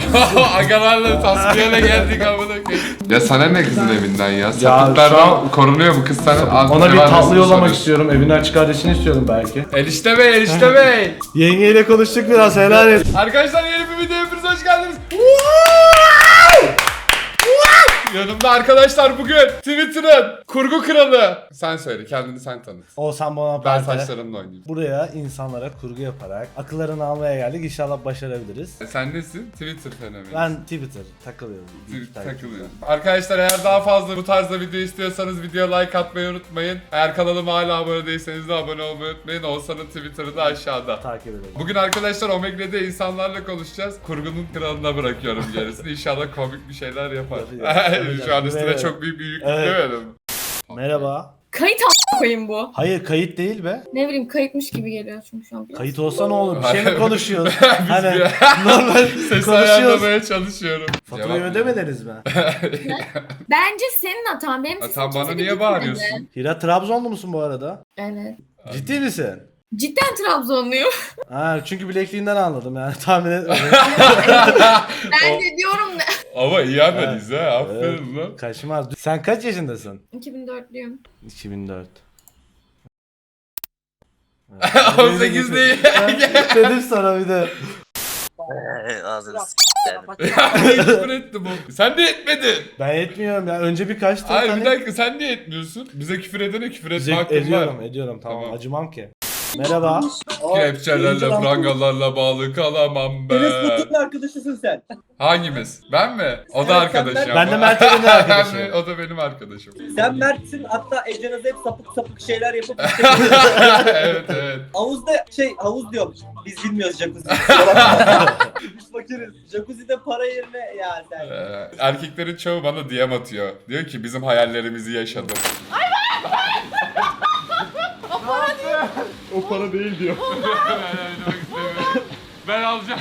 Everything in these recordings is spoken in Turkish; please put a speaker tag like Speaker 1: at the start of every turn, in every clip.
Speaker 1: Agalarla tasfiyeyle geldik amına koyayım. Ya sana ne kızın evinden ya?
Speaker 2: şu
Speaker 1: Sapıklardan
Speaker 2: an-
Speaker 1: korunuyor bu kız sana.
Speaker 2: Ona bir tatlı yollamak istiyorum. Evin açık kardeşini istiyorum belki.
Speaker 1: Enişte bey, enişte bey.
Speaker 2: Yengeyle konuştuk biraz, helal et.
Speaker 1: Arkadaşlar yeni bir videoya hepiniz hoş geldiniz. Yanımda arkadaşlar bugün Twitter'ın kurgu kralı. Sen söyle, kendini sen tanıt.
Speaker 2: Oğuzhan
Speaker 1: Ben
Speaker 2: Bonaparte.
Speaker 1: saçlarımla oynayayım.
Speaker 2: Buraya insanlara kurgu yaparak akıllarını almaya geldik. İnşallah başarabiliriz.
Speaker 1: Sen nesin? Twitter fenomeni.
Speaker 2: Ben Twitter takılıyorum.
Speaker 1: Takılıyorum. Arkadaşlar eğer daha fazla bu tarzda video istiyorsanız videoya like atmayı unutmayın. Eğer kanalıma hala abone değilseniz de abone olmayı unutmayın. Oğuzhan'ın Twitter'ı da aşağıda.
Speaker 2: Takip edelim.
Speaker 1: Bugün arkadaşlar Omegle'de insanlarla konuşacağız. Kurgunun kralına bırakıyorum gerisini. İnşallah komik bir şeyler yapar. Şu an üstüne çok büyük bir yük yüklemedim.
Speaker 2: Merhaba.
Speaker 3: Kayıt a** koyayım bu.
Speaker 2: Hayır, kayıt değil be.
Speaker 3: Ne bileyim kayıtmış gibi geliyor çünkü şu an.
Speaker 2: Kayıt olsa ne olur? Bir şey mi
Speaker 1: Hayır.
Speaker 2: konuşuyoruz?
Speaker 1: Biz
Speaker 2: Hani
Speaker 1: bir-
Speaker 2: normal
Speaker 1: Sesi
Speaker 2: konuşuyoruz.
Speaker 1: ayarlamaya çalışıyorum.
Speaker 2: Faturayı
Speaker 1: Cevap
Speaker 2: ödemediniz mi?
Speaker 3: Bence senin hatan. Benim sesim
Speaker 1: Sen bana
Speaker 3: kimse
Speaker 1: niye
Speaker 3: gitmedi.
Speaker 1: bağırıyorsun?
Speaker 2: Hira, Trabzonlu musun bu arada?
Speaker 3: Evet.
Speaker 2: Ciddi misin?
Speaker 3: Cidden Trabzonluyum.
Speaker 2: Ha, çünkü bilekliğinden anladım yani, tahmin etmedim.
Speaker 3: Ben de diyorum ne?
Speaker 1: Ama iyi analiz ha. Aferin lan.
Speaker 2: Kaşmaz. Sen kaç yaşındasın?
Speaker 3: 2004'lüyüm.
Speaker 2: 2004.
Speaker 1: 18 değil.
Speaker 2: Dedim sana bir de.
Speaker 4: Ağzını
Speaker 1: Küfür etti bu. Sen de etmedin.
Speaker 2: Ben etmiyorum ya. Önce birkaç tane.
Speaker 1: Hayır bir dakika sen niye etmiyorsun? Bize küfür edene küfür etme hakkın var.
Speaker 2: Ediyorum tamam,
Speaker 1: Tamam.
Speaker 2: acımam ki. Merhaba.
Speaker 1: Kepçelerle, prangalarla bağlı kalamam
Speaker 5: Enes
Speaker 1: ben.
Speaker 5: Batur'un arkadaşısın sen.
Speaker 1: Hangimiz? Ben mi? O da
Speaker 5: Evet,
Speaker 1: arkadaşım.
Speaker 5: sen-
Speaker 2: Ben de Mert Eren'in arkadaşıyım.
Speaker 1: O da benim arkadaşım.
Speaker 5: Sen Mert'sin, hatta Ece'niz hep sapık sapık şeyler yapıp
Speaker 1: Evet evet.
Speaker 5: havuzda havuz diyorum. Biz bilmiyoruz jacuzzi. Biz fakiriz. Jacuzzi'de para yerine ya sen.
Speaker 1: Erkeklerin çoğu bana DM atıyor. Diyor ki bizim hayallerimizi yaşadım.
Speaker 2: O para değil diyor.
Speaker 1: Ben alacağım.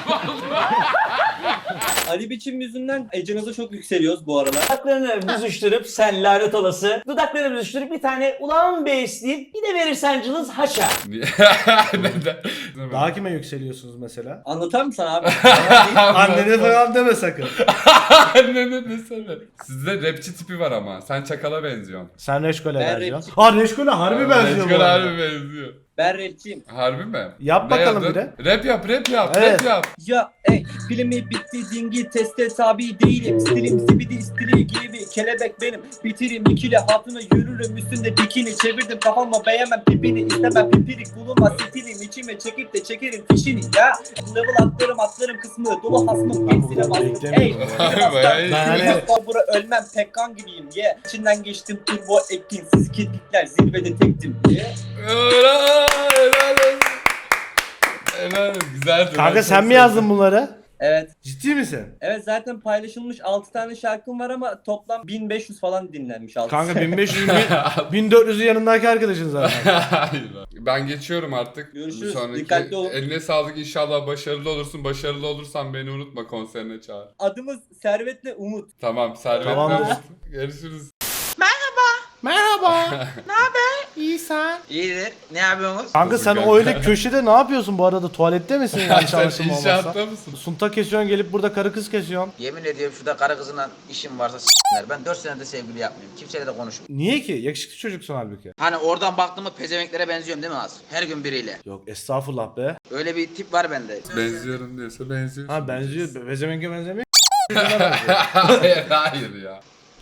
Speaker 5: Ali Biçim yüzünden Ece'nize çok yükseliyoruz bu aralar.
Speaker 4: Dudaklarını büzüştürüp sen lanet olası. Dudaklarını büzüştürüp bir tane ulan besleyip bir de verirsen cılız haşa.
Speaker 1: Neden?
Speaker 2: Daha kime yükseliyorsunuz mesela?
Speaker 5: Anlatar mısın abi?
Speaker 2: Annene falan deme sakın.
Speaker 1: Annene desene. Sizde rapçi tipi var ama. Sen çakala benziyorsun.
Speaker 2: Sen Reşkol'e
Speaker 5: Ben
Speaker 2: benziyorsun. Ha, Reşkol'e harbi benziyor bu
Speaker 1: Reşkol
Speaker 2: arada.
Speaker 1: harbi benziyor.
Speaker 5: Ben rapçiyim.
Speaker 1: Harbi mi?
Speaker 2: Yap
Speaker 1: Ne
Speaker 2: bakalım
Speaker 1: yazdın?
Speaker 2: bir
Speaker 1: Rap yap, rap yap,
Speaker 2: Evet.
Speaker 1: rap yap.
Speaker 5: Ya filmi bitti dingi teste tabi değilim. Stilim zibidi stili gibi kelebek benim. Bitirim ikili hatuna yürürüm üstünde bikini. Çevirdim kafama beğenmem pipini. İstemem pipirik bulunmaz stilim. İçime çekip de çekerim fişini ya. Level atlarım kısmı dolu hasmım.
Speaker 2: Ben bu
Speaker 5: Hepsine
Speaker 2: kadar
Speaker 5: bastım.
Speaker 2: beklemiyordum
Speaker 1: ya. Bayağı iyi.
Speaker 2: Ben hani-
Speaker 5: Bura ölmem pekkan gibiyim ye. İçinden geçtim turbo ekin. Siz kirpikler zirvede tektim diye.
Speaker 1: Helal olsun. Helal olsun. Güzeldi.
Speaker 2: Kanka
Speaker 1: Ben
Speaker 2: sen
Speaker 1: çok
Speaker 2: mi yazdın bunları?
Speaker 5: Evet.
Speaker 2: Ciddi misin?
Speaker 5: Evet zaten paylaşılmış 6 tane şarkım var ama toplam 1500 falan dinlenmiş 6.
Speaker 2: Kanka 1500 1400'ü yanındaki arkadaşın zaten.
Speaker 1: Hayır lan. Ben geçiyorum artık.
Speaker 5: Görüşürüz.
Speaker 1: Bu sonraki-
Speaker 5: Dikkatli olun.
Speaker 1: Eline sağlık, inşallah başarılı olursun. Başarılı olursan beni unutma, konserine çağır.
Speaker 5: Adımız Servet'le Umut.
Speaker 1: Tamam Servet.
Speaker 2: Tamamdır.
Speaker 1: Umut. Görüşürüz.
Speaker 2: Merhaba. Ne haber? İyi sen.
Speaker 4: İyidir. Ne yapıyorsunuz?
Speaker 2: Kanka sen
Speaker 1: Kanka.
Speaker 2: öyle köşede ne yapıyorsun bu arada? Tuvalette misin yanlış
Speaker 1: Sen
Speaker 2: anlaşılma olmazsa?
Speaker 1: inşaatta mısın?
Speaker 2: Sunta kesiyorsun, gelip burada karı kız kesiyorsun.
Speaker 4: Yemin ediyorum şurada karı kızına işim varsa s**ler. Ben 4 senedir sevgili yapmıyorum. Kimseyle de konuşmuyorum.
Speaker 2: Niye ki? Yakışıklı çocuksun halbuki.
Speaker 4: Hani oradan baktığımda pezevenklere benziyorum değil mi az? Her gün biriyle.
Speaker 2: Yok estağfurullah be.
Speaker 4: Öyle bir tip var bende.
Speaker 1: Benziyorum diyorsa benziyorsun.
Speaker 2: Ha benziyor. Bezemenge benzemiyor.
Speaker 1: hayır hayır ya.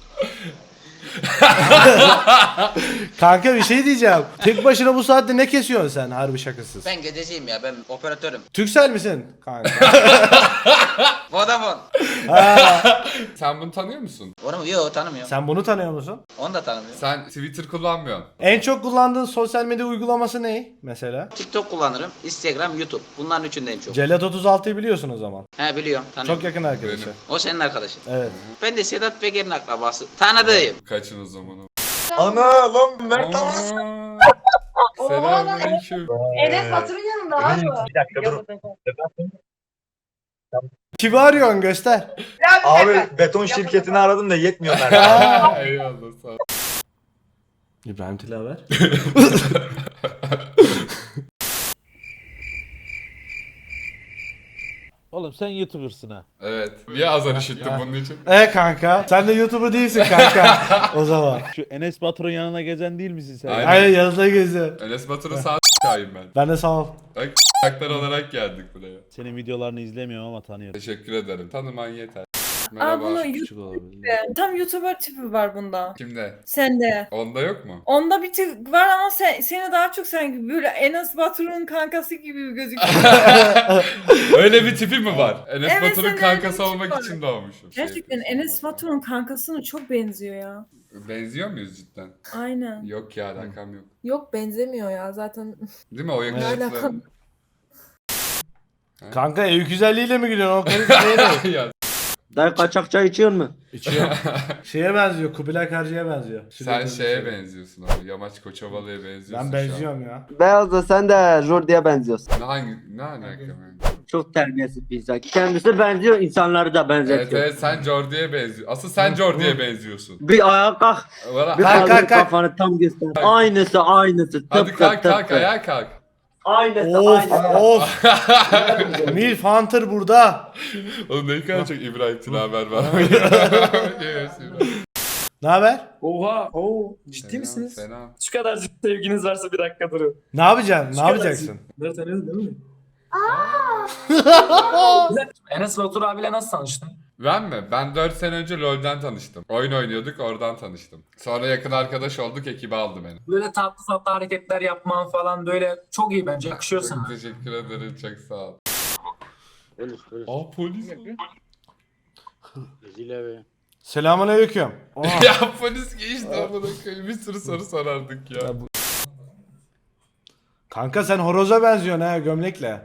Speaker 2: Kanka bir şey diyeceğim. Tek başına bu saatte ne kesiyorsun sen harbi şakasız?
Speaker 4: Ben gececiyim ya, ben operatörüm.
Speaker 2: Türksel misin? Kanka.
Speaker 4: Vodafone.
Speaker 2: Ha,
Speaker 1: Sen bunu tanıyor musun?
Speaker 4: Onu mu? Yok, tanımıyorum.
Speaker 2: sen bunu tanıyor musun?
Speaker 4: Onu da tanımıyorum.
Speaker 1: Sen Twitter kullanmıyorsun.
Speaker 2: En çok kullandığın sosyal medya uygulaması ne mesela?
Speaker 4: TikTok kullanırım. Instagram, YouTube. Bunların üçündeyim çok.
Speaker 2: Celat 36'yı biliyorsun o zaman.
Speaker 4: He, biliyorum. Tanıyorum.
Speaker 2: Çok yakın arkadaşı.
Speaker 1: Benim.
Speaker 4: O senin arkadaşın.
Speaker 2: Evet.
Speaker 4: Ben de Sedat Peker'in akrabası. Tanıdığım.
Speaker 1: Kaçın o zaman.
Speaker 6: Ana lan Mert
Speaker 1: Aa, Selamünaleyküm.
Speaker 3: Enes Batur'un yanında abi.
Speaker 6: Bir dakika dur.
Speaker 2: Kimi arıyorsun göster.
Speaker 6: Abi beton şirketini aradım da yetmiyor Mert.
Speaker 1: Eyvallah sağ ol.
Speaker 2: İbrahim Tilaver.
Speaker 7: Oğlum sen YouTuber'sın ha.
Speaker 1: Evet. Niye azar işittin bunun için?
Speaker 2: Kanka sen de YouTuber değilsin kanka. O zaman.
Speaker 7: Şu Enes Batur'un yanına gezen değil misin sen?
Speaker 1: Aynen.
Speaker 2: Aynen yanında geziyor.
Speaker 1: Enes Batur'un sağ s**kayım ben.
Speaker 2: Ben de sağ ol.
Speaker 1: Bak s**klar olarak geldik buraya.
Speaker 7: Senin videolarını izlemiyorum ama tanıyorum.
Speaker 1: Teşekkür ederim. Tanıman yeter.
Speaker 8: Aa
Speaker 1: Merhaba.
Speaker 8: bunu
Speaker 7: Küçük olabilir.
Speaker 8: tam YouTuber tipi var bunda.
Speaker 1: Kimde?
Speaker 8: Sende.
Speaker 1: Onda yok mu?
Speaker 8: Onda bir tık var ama seni daha çok sanki böyle Enes Batur'un kankası gibi gözüküyor.
Speaker 1: Öyle bir tipi mi var? Enes
Speaker 8: Evet,
Speaker 1: Batur'un
Speaker 8: senin
Speaker 1: kankası
Speaker 8: öyle bir
Speaker 1: olmak
Speaker 8: tipi
Speaker 1: için doğmuşum.
Speaker 8: Gerçekten Enes Batur'un kankasına çok benziyor ya.
Speaker 1: Benziyor muyuz cidden?
Speaker 8: Aynen.
Speaker 1: Yok ya alakam yok.
Speaker 3: Yok benzemiyor ya zaten.
Speaker 1: Değil mi o yakışıklı?
Speaker 3: alakam?
Speaker 2: Kanka ev güzelliğiyle mi gidiyorsun? O karı
Speaker 1: ya
Speaker 9: Dayı kaçak çay içiyor mu?
Speaker 2: İçiyor. Şeye benziyor. Kubilay Karcı'ya benziyor.
Speaker 1: sen şeye benziyorsun abi. Yamaç Koçovalı'ya benziyorsun
Speaker 2: Ben
Speaker 1: şu an.
Speaker 2: benziyorum ya.
Speaker 9: Beyaz da sen de Jordi'ye benziyorsun.
Speaker 1: Ne alaka ben?
Speaker 9: Çok terbiyesiz bir insan. Kendisi benziyor, insanları da
Speaker 1: Evet
Speaker 9: benzetiyor.
Speaker 1: evet sen Jordi'ye benziyorsun. Asıl sen Jordi'ye benziyorsun.
Speaker 9: Bir ayağa kalk,
Speaker 1: Valla-
Speaker 9: bir
Speaker 2: Kalk,
Speaker 9: kaldır
Speaker 2: kalk, kalk.
Speaker 9: kafanı tam göster. Aynısı.
Speaker 1: Hadi
Speaker 9: Tıpkı,
Speaker 1: kalk kalk
Speaker 9: tıpkı.
Speaker 1: ayağa kalk.
Speaker 9: Aynısı,
Speaker 2: Of
Speaker 9: aynısı.
Speaker 2: of. Milf Hunter burada.
Speaker 1: Oğlum ne kadar çok İbrahim Tilaver var.
Speaker 2: Ne haber?
Speaker 5: Oha. Oo. Ciddi
Speaker 1: Selam,
Speaker 5: misiniz?
Speaker 1: Selam.
Speaker 5: Şu kadar sevginiz varsa bir dakika durun.
Speaker 2: Ne yapacaksın? Ne yapacaksın?
Speaker 5: Bunları tanıyorsun değil mi? Enes Batur abiyle nasıl tanıştın?
Speaker 1: Ben mi? Ben 4 sene önce LoL'den tanıştım. Oyun oynuyorduk oradan tanıştım. Sonra yakın arkadaş olduk ekibe aldı beni.
Speaker 5: Böyle tatlı tatlı hareketler yapman falan böyle çok iyi bence yakışıyor
Speaker 1: Çok
Speaker 5: sana.
Speaker 1: teşekkür ederim çok sağ ol.
Speaker 9: Polis.
Speaker 1: Aa polis mi?
Speaker 2: Selamünaleyküm.
Speaker 1: Ya polis geçti amına koyayım. Bir sürü soru sorardık ya.
Speaker 2: Kanka sen horoza benziyorsun ha gömlekle.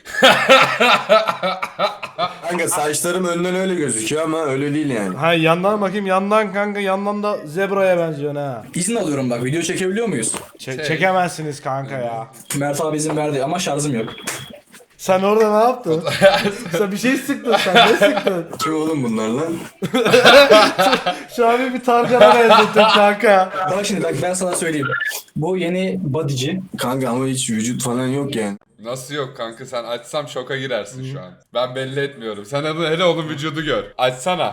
Speaker 10: Kanka saçlarım önden öyle gözüküyor ama öyle değil yani.
Speaker 2: Ha yandan bakayım yandan kanka yandan da zebraya benziyorsun ha.
Speaker 11: İzin alıyorum bak, video çekebiliyor muyuz?
Speaker 2: Çekemezsiniz kanka ya.
Speaker 11: Mert abi izin verdi ama şarjım yok.
Speaker 2: Sen orada ne yaptın? Sen bir şey sıktın sen ne sıktın?
Speaker 10: Kim oğlum bunlar lan?
Speaker 2: Şu an bir Tarkan'a benzettin kanka.
Speaker 11: Bak şimdi bak ben sana söyleyeyim. Bu yeni bodyci.
Speaker 10: Kanka ama hiç vücut falan yok yani.
Speaker 1: Nasıl yok kanka sen açsam şoka girersin şu an. Ben belli etmiyorum. Sen hele onun vücudu gör. Açsana.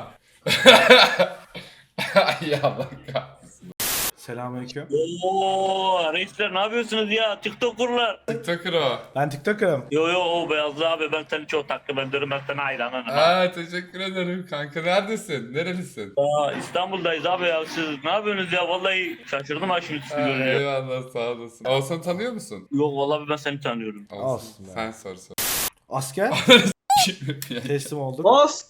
Speaker 1: Ya Allah kahretsin.
Speaker 2: Selamünaleyküm.
Speaker 12: Oo reisler ne yapıyorsunuz ya? TikToker'lar.
Speaker 1: TikToker o.
Speaker 2: Ben TikToker'ım.
Speaker 12: Yo o Beyazlı abi ben seni çok takip ediyorum. Ben sana hayranım.
Speaker 1: Aa teşekkür ederim kanka. Neredesin? Nerelisin?
Speaker 12: Aa, İstanbul'dayız abi ya. Siz ne yapıyorsunuz ya? Vallahi şaşırdım ha şimdi sizi
Speaker 1: Aa,
Speaker 12: görünce.
Speaker 1: eyvallah sağ olasın. Oğuzhan'ı tanıyor musun?
Speaker 12: Yok vallahi ben seni tanıyorum.
Speaker 2: Olsun be.
Speaker 1: Sen sor sor.
Speaker 2: Asker. Teslim olduk.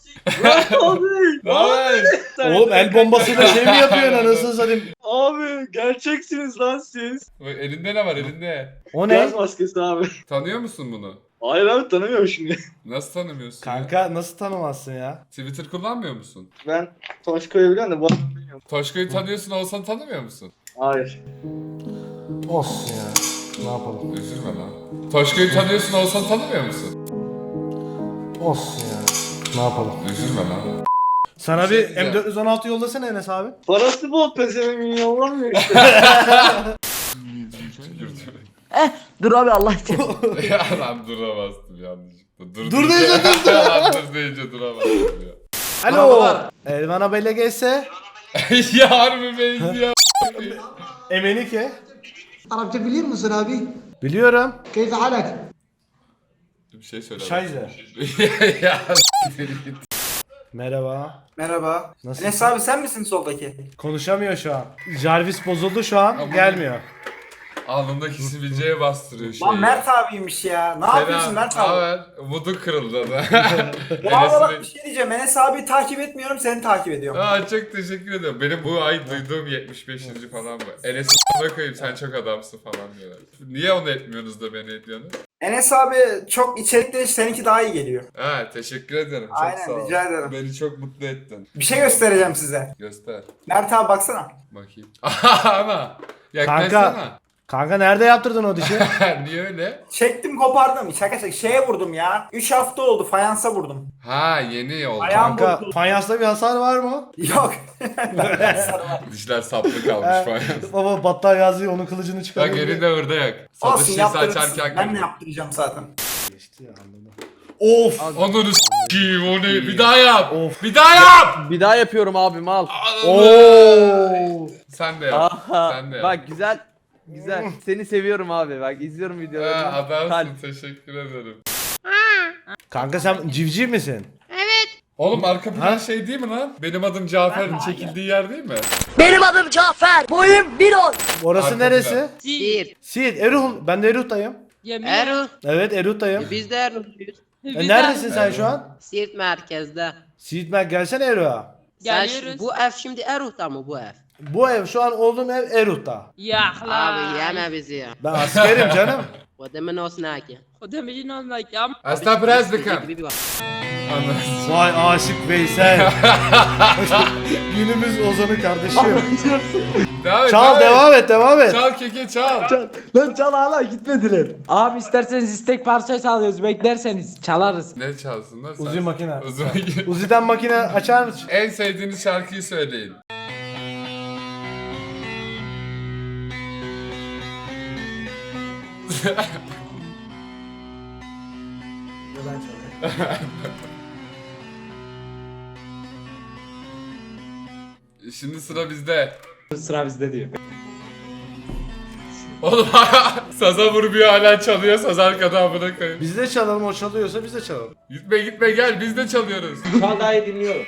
Speaker 1: Ne haber?
Speaker 2: Oğlum el bombasıyla şey mi yapıyorsun anasını satayım?
Speaker 5: Abi gerçeksiniz lan siz.
Speaker 1: Bak, elinde ne var elinde?
Speaker 2: O ne?
Speaker 5: maskesi abi.
Speaker 1: Tanıyor musun bunu?
Speaker 5: Hayır abi tanımıyorum şimdi.
Speaker 1: Nasıl tanımıyorsun ya?
Speaker 2: Kanka nasıl tanımazsın ya?
Speaker 1: Twitter kullanmıyor musun?
Speaker 5: Ben Toşko'yu biliyorum da bu adamı bilmiyorum.
Speaker 1: Toşko'yu tanıyorsun Oğuzhan'ı tanımıyor musun?
Speaker 5: Hayır.
Speaker 2: Olsun ya. Ne yapalım?
Speaker 1: Üzülme lan. Toşko'yu tanıyorsun Oğuzhan'ı tanımıyor musun?
Speaker 2: Olsun ya. Ne yapalım?
Speaker 1: Üzülme lan.
Speaker 2: Sana
Speaker 1: şey
Speaker 2: bir M416 yollasana Enes abi.
Speaker 5: Parası bol pezevenk yollamıyor işte.
Speaker 9: Dur abi Allah için.
Speaker 1: Ya lan duramazdım yanlışlıkla.
Speaker 2: Dur deyince durdu.
Speaker 1: Lan dur deyince duramazdım ya.
Speaker 2: Alo. Elvan abiyle gelse.
Speaker 1: Ya harbi benziyor.
Speaker 2: Emenike.
Speaker 9: Arapça biliyor musun abi?
Speaker 2: Biliyorum.
Speaker 9: Keyfe halak?
Speaker 1: Bir şey söyle.
Speaker 2: Şayze.
Speaker 1: Ya
Speaker 2: Merhaba.
Speaker 9: Merhaba.
Speaker 2: Nasıl?
Speaker 9: Enes abi sen misin soldaki?
Speaker 2: Konuşamıyor şu an. Jarvis bozuldu şu an.
Speaker 1: Ama-
Speaker 2: Gelmiyor.
Speaker 1: alnındaki sivilceye bastırıyor şeyi.
Speaker 9: Lan Mert abiymiş ya. Ne yapıyorsun Mert abi?
Speaker 1: Haber. Umudun kırıldı da.
Speaker 9: Valla bak bir
Speaker 1: Enes'in...
Speaker 9: şey diyeceğim. Enes abi takip etmiyorum, seni takip ediyorum.
Speaker 1: Aa çok teşekkür ederim. Benim bu ay duyduğum 75. falan bu. Enes'e koyayım sen çok adamsın falan diyorlar. Niye onu etmiyorsunuz da beni ediyorsunuz?
Speaker 9: Enes abi çok içerikli, seninki daha iyi geliyor.
Speaker 1: Ha teşekkür ederim. Çok
Speaker 9: Aynen,
Speaker 1: sağ ol.
Speaker 9: rica ederim.
Speaker 1: Beni çok mutlu ettin.
Speaker 9: Bir şey göstereceğim size.
Speaker 1: Göster.
Speaker 9: Mert abi baksana.
Speaker 1: Bakayım. Ana. Yaklaşsana.
Speaker 2: Kanka nerede yaptırdın o dişi?
Speaker 1: Niye öyle?
Speaker 9: Çektim kopardım. Şaka şeye vurdum ya. 3 hafta oldu, fayansa vurdum.
Speaker 1: Ha yeni oldu.
Speaker 9: Ayağım
Speaker 2: Kanka
Speaker 9: bozuldu.
Speaker 2: fayansta bir hasar var mı?
Speaker 9: Yok.
Speaker 1: Dişler saplı kalmış falan.
Speaker 2: Baba battal yazıyor onun kılıcını
Speaker 1: Bak
Speaker 2: çıkarıyor.
Speaker 1: elinde orada yak.
Speaker 9: Olsun
Speaker 1: Satışçısı
Speaker 9: yaptırırsın.
Speaker 1: açarken
Speaker 9: Ben de yaptıracağım zaten.
Speaker 2: Geçti ya anladım. Of.
Speaker 1: Onları Kim o ne? Bir daha yap. Bir daha yap.
Speaker 5: Bir daha yapıyorum abim al.
Speaker 2: Oo.
Speaker 1: Sen de yap. Sen de yap.
Speaker 5: Bak güzel. Güzel. Seni seviyorum abi. Bak izliyorum videolarını.
Speaker 1: Adamsın, teşekkür ederim.
Speaker 2: Kanka sen civciv misin?
Speaker 1: Oğlum arka plan şey değil mi lan? Benim adım Cafer'in çekildiği yer değil mi?
Speaker 8: Benim adım Cafer. Boyum 1.10.
Speaker 2: Orası
Speaker 1: Arka
Speaker 2: neresi?
Speaker 8: Siirt.
Speaker 2: Siirt. Eruh. Ben de Eruh'tayım.
Speaker 8: Erol.
Speaker 2: Evet Eruh'tayım.
Speaker 8: Biz de Erol'luyuz.
Speaker 2: Neredesin sen şu an?
Speaker 8: Siirt merkezde.
Speaker 2: Siirt gelsene Eruh'a.
Speaker 8: Geliyoruz. Bu ev şimdi Erol'da mı bu ev?
Speaker 2: Bu ev şu an olduğum ev Eruh'ta.
Speaker 8: Ya abi yeme bizi ya.
Speaker 2: Ben askerim canım.
Speaker 8: Kodemin olsun haki. Kodemin olsun haki ama.
Speaker 1: Hasta biraz dıkım.
Speaker 2: Vay aşık Veysel. Günümüz Ozan'ı kardeşim. Çal devam et.
Speaker 1: Çal keke çal.
Speaker 5: Lan çal hala gitmediler. Abi isterseniz istek parçası alıyoruz. Beklerseniz çalarız.
Speaker 1: Ne çalsın lan sen?
Speaker 2: Uzi makine.
Speaker 1: Uzi makine.
Speaker 2: Uzi'den makine açar mısın?
Speaker 1: En sevdiğiniz şarkıyı söyleyin. Şimdi sıra bizde.
Speaker 5: Sıra bizde diyor.
Speaker 1: Oğlum saza vurmuyor hala çalıyor, saz arkada amına koyayım.
Speaker 2: Biz de çalalım, o çalıyorsa biz de çalalım.
Speaker 1: Gitme gel, biz de çalıyoruz.
Speaker 5: Şu an daha iyi dinliyorum.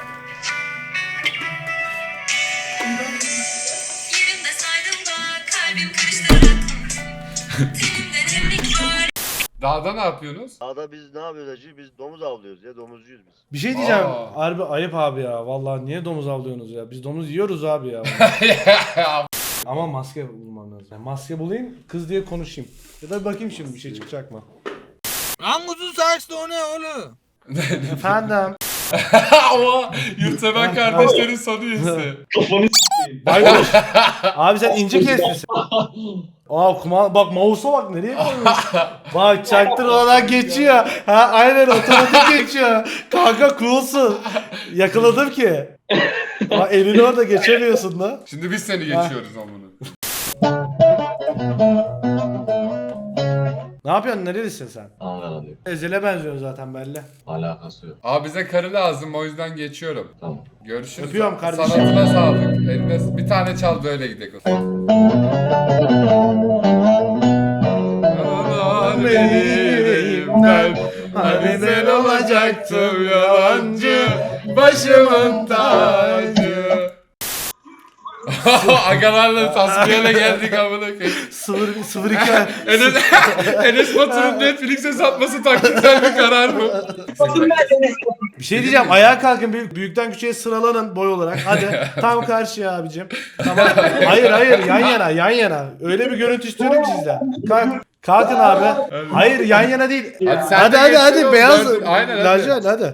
Speaker 1: Dağda ne yapıyorsunuz?
Speaker 12: Dağda biz ne yapıyoruz hacı? Biz domuz avlıyoruz ya, domuzcuyuz biz.
Speaker 2: Bir şey diyeceğim.
Speaker 1: Aa.
Speaker 2: Harbi ayıp abi ya. Vallahi niye domuz avlıyorsunuz ya? Biz domuz yiyoruz abi ya. Ama maske bulmam lazım. Yani maske bulayım, kız diye konuşayım. Ya da bakayım şimdi bir şey çıkacak mı?
Speaker 10: Anguzun saçlı o ne oğlum?
Speaker 2: Efendim.
Speaker 1: O yurtseven kardeşlerin sonu üyesi.
Speaker 2: Baykuş. Abi sen ince kesmişsin. Aa bak mouse'a bak nereye koymuş. Bak çaktırmadan geçiyor. Ha aynen otomatik geçiyor. Kanka coolsun. Yakaladım ki. Bak elini orada geçemiyorsun da.
Speaker 1: Şimdi biz seni geçiyoruz amına.
Speaker 2: Ne yapıyorsun? Nerelisin sen?
Speaker 10: Anladım.
Speaker 2: Ezel'e benziyorsun zaten belli.
Speaker 10: Alakası yok.
Speaker 1: Abi bize karı lazım, o yüzden geçiyorum.
Speaker 10: Tamam.
Speaker 1: Görüşürüz.
Speaker 2: Öpüyorum kardeşim.
Speaker 1: Sanatına sağlık. Eline bir tane çal böyle gidelim o zaman. Yaralar benimden, hani sen olacaktım yalancı, başımın tacı. Agalarla tasfiyele geldik amına koyayım.
Speaker 2: 0-2
Speaker 1: Enes Batur'un Netflix'e satması taktiksel bir karar mı?
Speaker 2: Bir şey diyeceğim. Ayağa kalkın. Büyükten küçüğe sıralanın boy olarak. Hadi. Tam karşıya abicim. Tamam. Hayır. Yan yana. Öyle bir görüntü istiyorum sizden. Kalkın abi. Hayır yan yana değil.
Speaker 1: sen de
Speaker 2: Hadi.
Speaker 1: geçsin
Speaker 2: Beyaz.
Speaker 1: oğlum. Aynen, hadi.
Speaker 2: Lacivert hadi.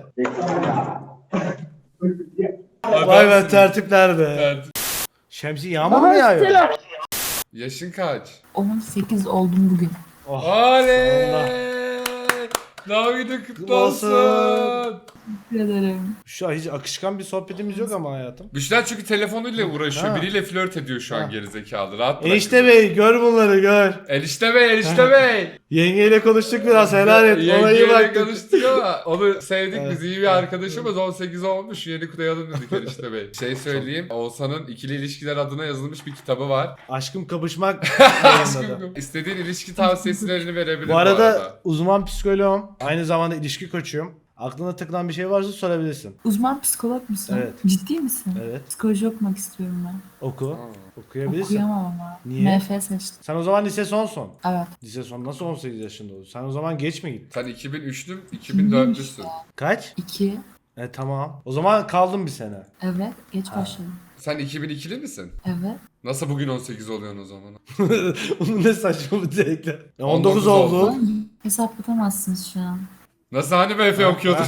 Speaker 2: Vay be tertipler be.
Speaker 1: Evet.
Speaker 2: Şemsi yağmur mu yağıyor?
Speaker 1: Yaşın kaç?
Speaker 3: 18 oldum bugün.
Speaker 2: Oh,
Speaker 1: Oley!
Speaker 2: sonunda.
Speaker 1: Doğum günün kutlu
Speaker 2: Kutlu olsun.
Speaker 1: olsun.
Speaker 3: Teşekkür ederim.
Speaker 2: Şu an hiç akışkan bir sohbetimiz yok ama hayatım.
Speaker 1: Büşra çünkü telefonuyla uğraşıyor.
Speaker 2: Ha.
Speaker 1: Biriyle flört ediyor şu an
Speaker 2: Ha.
Speaker 1: gerizekalı. Rahat bırak.
Speaker 2: Enişte Bey gör bunları gör.
Speaker 1: Enişte Bey.
Speaker 2: Yengeyle konuştuk biraz helal et. Ona iyi
Speaker 1: Yengeyle
Speaker 2: baktık.
Speaker 1: konuştuk ama onu sevdik
Speaker 2: Evet.
Speaker 1: biz, iyi bir arkadaşımız. 18 olmuş, yeni kutlayalım dedik Enişte Bey. Şey söyleyeyim, Oğuzhan'ın ikili ilişkiler adına yazılmış bir kitabı var.
Speaker 2: Aşkım kapışmak yayınladı.
Speaker 1: Aşkım, istediğin ilişki tavsiyelerini verebilir
Speaker 2: Bu arada uzman psikoloğum. Aynı zamanda ilişki koçuyum. Aklına takılan bir şey varsa sorabilirsin.
Speaker 3: Uzman psikolog musun?
Speaker 2: Evet.
Speaker 3: Ciddi misin?
Speaker 2: Evet.
Speaker 3: Psikoloji okumak istiyorum ben.
Speaker 2: Oku. Okuyabilirsin.
Speaker 3: Okuyamam ama.
Speaker 2: Niye?
Speaker 3: MF seçtim.
Speaker 2: Sen o zaman lise sonsun.
Speaker 3: Evet.
Speaker 2: Lise son nasıl 18 yaşında oldun? Sen o zaman geç mi gittin?
Speaker 1: Sen 2003'lüm, 2004'lüsün.
Speaker 2: Kaç?
Speaker 3: 2.
Speaker 2: Tamam. O zaman kaldın bir sene.
Speaker 3: Evet. Geç başladım.
Speaker 1: Sen 2002'li misin?
Speaker 3: Evet.
Speaker 1: Nasıl bugün 18 oluyorsun o zaman?
Speaker 2: Onun ne saçma bir zevkle.
Speaker 1: 19
Speaker 2: 19 oldu.
Speaker 3: Hesaplatamazsınız şu an.
Speaker 1: Nasıl hani MF okuyordun?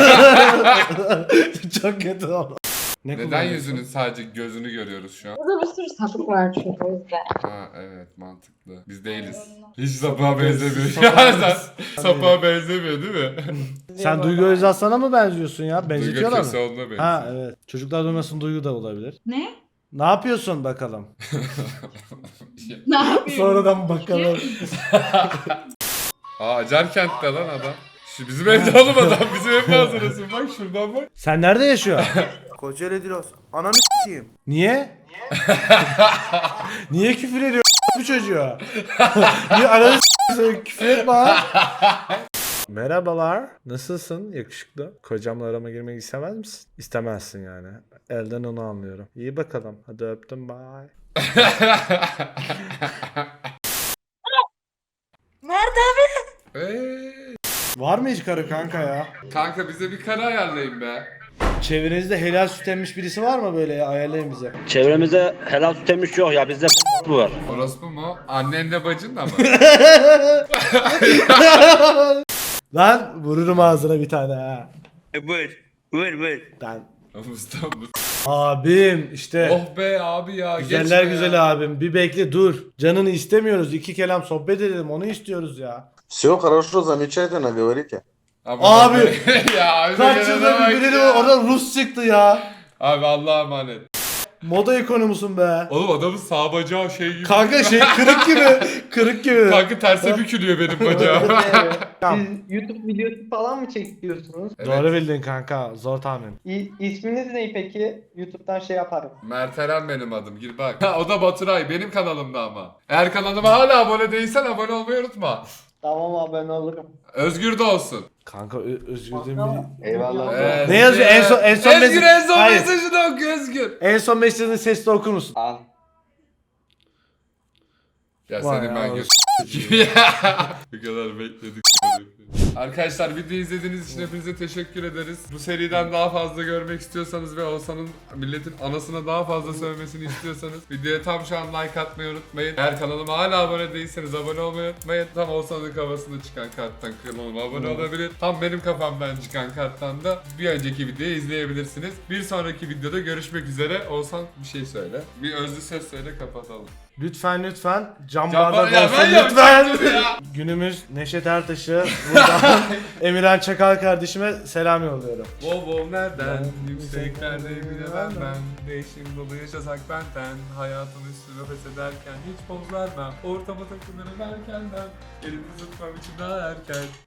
Speaker 2: Çok kötü oldu.
Speaker 1: Neden yüzünün sadece gözünü görüyoruz şu an?
Speaker 3: Burada bir sürü sapık var çünkü o yüzden.
Speaker 1: Ha evet, mantıklı. Biz değiliz. Hiç sapığa benzemiyor. Sapığa benzemiyor değil mi?
Speaker 2: Sen Duygu Özaslan'a mı benziyorsun ya?
Speaker 1: Duygu
Speaker 2: Benzetiyorlar mı?
Speaker 1: Köseoğlu'na benziyor.
Speaker 2: Ha evet. Çocuklar duymasın Duygu da olabilir.
Speaker 8: Ne?
Speaker 2: Ne yapıyorsun bakalım?
Speaker 8: Ne yapayım?
Speaker 2: Sonradan bakalım.
Speaker 1: Aa Acarkent'te lan adam. Şu bizim evde oğlum adam. Bizim ev manzarası. Bak şuradan bak.
Speaker 2: Sen nerede yaşıyorsun?
Speaker 9: Kocaeli Dilos. Ananı s**eyim.
Speaker 2: Niye? Niye küfür ediyor bu çocuğa? Niye ananı s**eyim, küfür etme ha. Merhabalar. Nasılsın yakışıklı? Kocamla arama girmek istemez misin? İstemezsin yani. Elden onu anlıyorum. İyi bakalım. Hadi öptüm, bye.
Speaker 8: Nerede abi?
Speaker 2: Var mı hiç karı kanka ya?
Speaker 1: Kanka bize bir kara ayarlayın be.
Speaker 2: Çevrenizde helal süt emmiş birisi var mı böyle ya? Ayarlayın bize.
Speaker 12: Çevremizde helal süt emmiş yok ya bizde bu var.
Speaker 1: Orospu mu? Annenle bacın da mı?
Speaker 2: Lan vururum ağzına bir tane ha.
Speaker 12: Buyur.
Speaker 2: Ben.
Speaker 1: Mustafa.
Speaker 2: Abim işte.
Speaker 1: Oh be abi ya.
Speaker 2: Güzeller
Speaker 1: geçme ya.
Speaker 2: güzel abim. Bir bekle dur. Canını istemiyoruz. 2 kelam sohbet edelim. Onu istiyoruz ya.
Speaker 10: Все хорошо, замечательно говорите.
Speaker 2: Abi.
Speaker 1: Ya abi
Speaker 2: Kaç yılda bir biri orada Rus çıktı ya.
Speaker 1: Abi Allah'a emanet.
Speaker 2: Moda ikonu musun be?
Speaker 1: Oğlum adamın sağ bacağı şey gibi.
Speaker 2: Kanka şey kırık gibi. Kırık gibi.
Speaker 1: Kanka terse bükülüyor benim bacağım.
Speaker 5: YouTube videosu falan mı çekiyorsunuz?
Speaker 2: Doğru bildin kanka. Zor tahmin.
Speaker 5: İsminiz ne peki? YouTube'dan şey yaparım.
Speaker 1: Mert Eren benim adım, gir bak. Ha, o da Baturay, benim kanalımda ama. Eğer kanalıma hala abone değilsen abone olmayı unutma.
Speaker 5: Tamam abone olurum.
Speaker 1: Özgür de olsun.
Speaker 2: Kanka Özgür'den bir...
Speaker 10: Eyvallah.
Speaker 2: Ne yazıyor? En son
Speaker 1: Özgür en son
Speaker 2: Hayır.
Speaker 1: mesajını oku Özgür.
Speaker 2: En son mesajını sesli okur musun?
Speaker 5: Al.
Speaker 1: Ya
Speaker 2: Vay
Speaker 1: senin
Speaker 2: ya,
Speaker 1: ben göz... Bu kadar bekledik. Arkadaşlar videoyu izlediğiniz için hepinize teşekkür ederiz. Bu seriden daha fazla görmek istiyorsanız ve Oğuzhan'ın milletin anasına daha fazla sövmesini istiyorsanız videoya tam şu an like atmayı unutmayın. Eğer kanalıma hala abone değilseniz abone olmayı unutmayın. Tam Oğuzhan'ın kafasında çıkan karttan kanalıma abone olabilir. Tam benim kafamdan çıkan karttan da bir önceki videoyu izleyebilirsiniz. Bir sonraki videoda görüşmek üzere. Oğuzhan bir şey söyle. Bir özlü söz söyle, kapatalım.
Speaker 2: Lütfen cam
Speaker 1: Cam
Speaker 2: bardak
Speaker 1: ya
Speaker 2: olsun
Speaker 1: ben
Speaker 2: lütfen.
Speaker 1: yapacaktım ya.
Speaker 2: Günümüz Neşet Ertaş'ı buradan Emirhan Çakal kardeşime selam yolluyorum.
Speaker 1: Wow nereden? Yükseklerde bilemem ben. Değişim dolu yaşasak benden. Hayatın üstüne pes ederken hiç poz vermem. Ortama takılırım erkenden. Elimi tutmam için daha erken.